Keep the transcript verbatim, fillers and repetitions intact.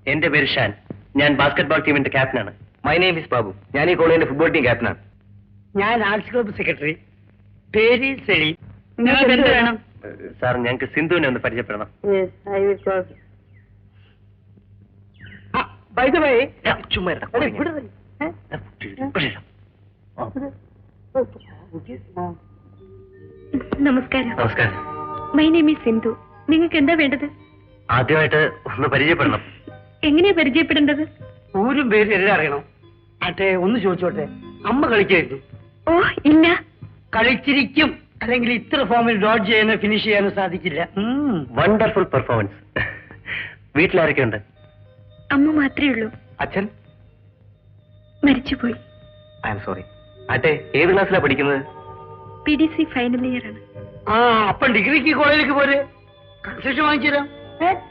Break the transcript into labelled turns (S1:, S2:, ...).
S1: എന്റെ പേര് ഷാൻ. ഞാൻ ബാസ്കറ്റ്ബോൾ ടീമിന്റെ ക്യാപ്റ്റനാണ്.
S2: My name is Babu. ഞാൻ ഈ കോളേജിന്റെ ഫുട്ബോൾ ടീം ക്യാപ്റ്റനാണ്.
S3: ഞാൻ ആർട്സ് ക്ലബ് സെക്രട്ടറി. പേര് സെലി.
S1: സാർ, ഞങ്ങൾക്ക് സിന്ധുവിനെ ഒന്ന് പരിചയപ്പെടണം. ചുമ്മാ
S4: നമസ്കാരം.
S1: നമസ്കാരം.
S4: My name is Sindhu. നിങ്ങൾക്ക് എന്താ വേണ്ടത്?
S1: ആദ്യമായിട്ട് ഒന്ന് പരിചയപ്പെടണം.
S4: എങ്ങനെയാ പരിചയപ്പെടേണ്ടത്?
S3: ഊരും പേര് എല്ലാം അറിയണം. അട്ടെ, ഒന്ന് ചോദിച്ചോട്ടെ, അമ്മ കളിക്കായിരുന്നു?
S4: ഓ ഇല്ല.
S3: കളിച്ചിരിക്കും, അല്ലെങ്കിൽ ഇത്ര ഫോമിൽ ഡോട്ട് ചെയ്യാനോ ഫിനിഷ് ചെയ്യാനോ സാധിക്കില്ല.
S1: Wonderful performance. വീട്ടിലാരൊക്കെ ഉണ്ട്?
S4: അമ്മ മാത്രമേ ഉള്ളൂ.
S2: അച്ഛൻ
S4: മരിച്ചുപോയി.
S2: I am sorry. അട്ടെ, ഏത് ക്ലാസ്സിലാണ് പഠിക്കുന്നത്?
S4: P D C final year ആണ്.
S3: ആ, അപ്പം ഡിഗ്രിക്ക് കോളേജിലേക്ക് പോരെ, കൺസെഷൻ വാങ്ങിച്ചു തരാം.